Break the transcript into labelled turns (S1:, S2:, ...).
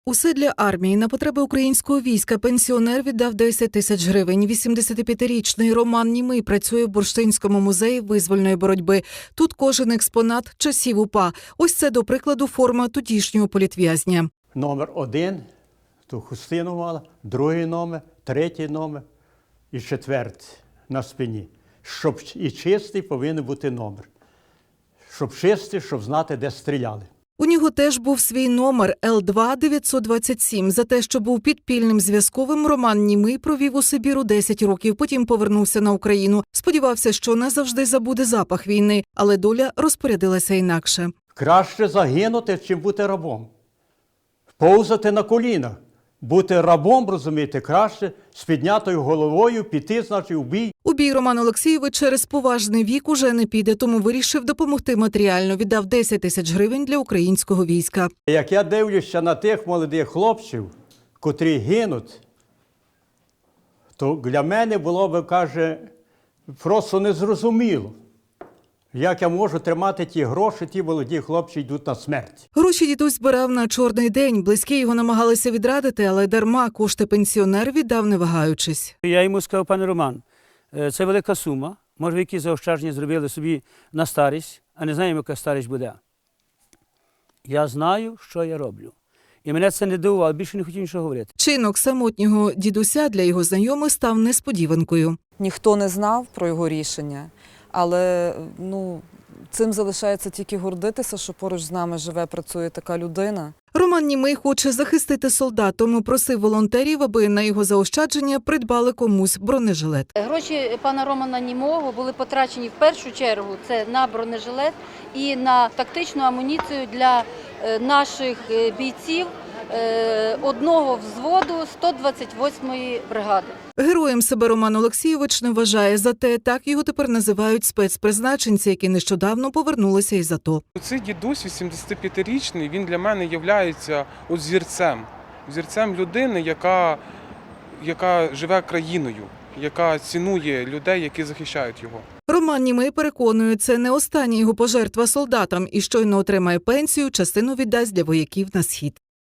S1: Усе для армії. На потреби українського війська пенсіонер віддав 10 тисяч гривень. 85-річний Роман Німий працює в Бурштинському музеї визвольної боротьби. Тут кожен експонат часів УПА. Ось це, до прикладу, форма тодішнього політв'язня.
S2: Номер 1, ту хустину мала, другий номер, третій номер і четвертий на спині. Щоб і чистий повинен бути номер. Щоб чистий, щоб знати, де стріляли.
S1: У нього теж був свій номер Л2-927. За те, що був підпільним зв'язковим, Роман Німий провів у Сибіру 10 років, потім повернувся на Україну. Сподівався, що назавжди забуде запах війни, але доля розпорядилася інакше.
S2: Краще загинути, чим бути рабом. Повзати на колінах. Бути рабом, розумієте, краще з піднятою головою піти, значить, у бій.
S1: У бій Роман Олексійович через поважний вік уже не піде, тому вирішив допомогти матеріально. Віддав 10 тисяч гривень для українського війська.
S2: Як я дивлюся на тих молодих хлопців, котрі гинуть, то для мене було б, каже, просто незрозуміло, як я можу тримати ті гроші, ті молоді хлопці йдуть на смерть.
S1: Гроші дідусь збирав на чорний день. Близькі його намагалися відрадити, але дарма. Кошти пенсіонер віддав, не вагаючись.
S3: Я йому сказав: пане Роман, це велика сума, може, ви якісь заощадження зробили собі на старість, а не знаємо, яка старість буде. Я знаю, що я роблю. І мене це не дивувало, більше не хотів нічого говорити.
S1: Чинок самотнього дідуся для його знайомих став несподіванкою.
S4: Ніхто не знав про його рішення, але цим залишається тільки гордитися, що поруч з нами живе, працює така людина.
S1: Роман Німий хоче захистити солдат, тому просив волонтерів, аби на його заощадження придбали комусь бронежилет.
S5: Гроші пана Романа Німого були потрачені в першу чергу це на бронежилет і на тактичну амуніцію для наших бійців одного взводу 128-ї бригади.
S1: Героєм себе Роман Олексійович не вважає, зате так його тепер називають спецпризначенці, які нещодавно повернулися із АТО.
S6: Цей дідусь 85-річний, він для мене є зірцем людини, яка живе країною, яка цінує людей, які захищають його.
S1: Роман Німий переконує, це не остання його пожертва солдатам і щойно отримає пенсію, частину віддасть для вояків на схід.